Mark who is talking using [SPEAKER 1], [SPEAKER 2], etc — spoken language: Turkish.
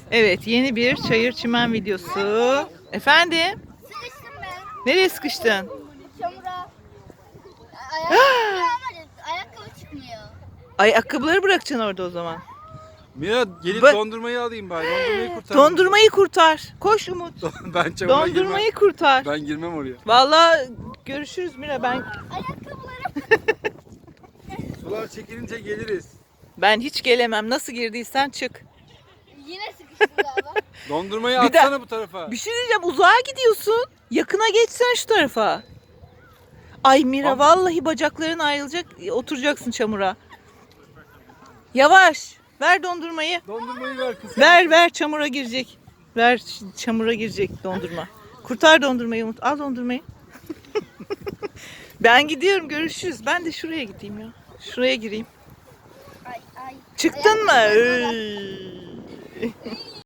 [SPEAKER 1] Evet, yeni bir çayır çimen videosu. Efendim?
[SPEAKER 2] Sıkıştım ben.
[SPEAKER 1] Nereye sıkıştın?
[SPEAKER 2] Çamura. Ayakkabı çıkmıyor.
[SPEAKER 1] Ayakkabıları bırakacaksın orada o zaman.
[SPEAKER 3] Mira gelip
[SPEAKER 1] Ba-
[SPEAKER 3] dondurmayı alayım bari. Dondurmayı kurtar.
[SPEAKER 1] Dondurmayı kurtar. Koş Umut.
[SPEAKER 3] Ben çamura
[SPEAKER 1] Dondurmayı
[SPEAKER 3] girmem.
[SPEAKER 1] kurtar.
[SPEAKER 3] Ben girmem oraya.
[SPEAKER 1] Vallahi görüşürüz Mira.
[SPEAKER 2] Ayakkabılarım.
[SPEAKER 3] Sular çekilince geliriz.
[SPEAKER 1] Ben hiç gelemem. Nasıl girdiysen çık.
[SPEAKER 2] Yine sıkıştım galiba.
[SPEAKER 3] Dondurmayı
[SPEAKER 1] Bir de-
[SPEAKER 3] atsana bu tarafa.
[SPEAKER 1] Bir şey diyeceğim. Uzağa gidiyorsun. Yakına geçsene şu tarafa. Ay Mira
[SPEAKER 3] Tamam.
[SPEAKER 1] vallahi bacakların ayrılacak. Oturacaksın çamura. Yavaş. Ver dondurmayı.
[SPEAKER 3] Dondurmayı ver kız.
[SPEAKER 1] Ver çamura girecek. Ver çamura girecek dondurma. Kurtar dondurmayı Umut. Al dondurmayı. Ben gidiyorum, görüşürüz. Ben de şuraya gideyim ya. Şuraya gireyim.
[SPEAKER 2] Ay ay.
[SPEAKER 1] Çıktın mı?
[SPEAKER 2] Ayakkabılarım
[SPEAKER 1] Iy.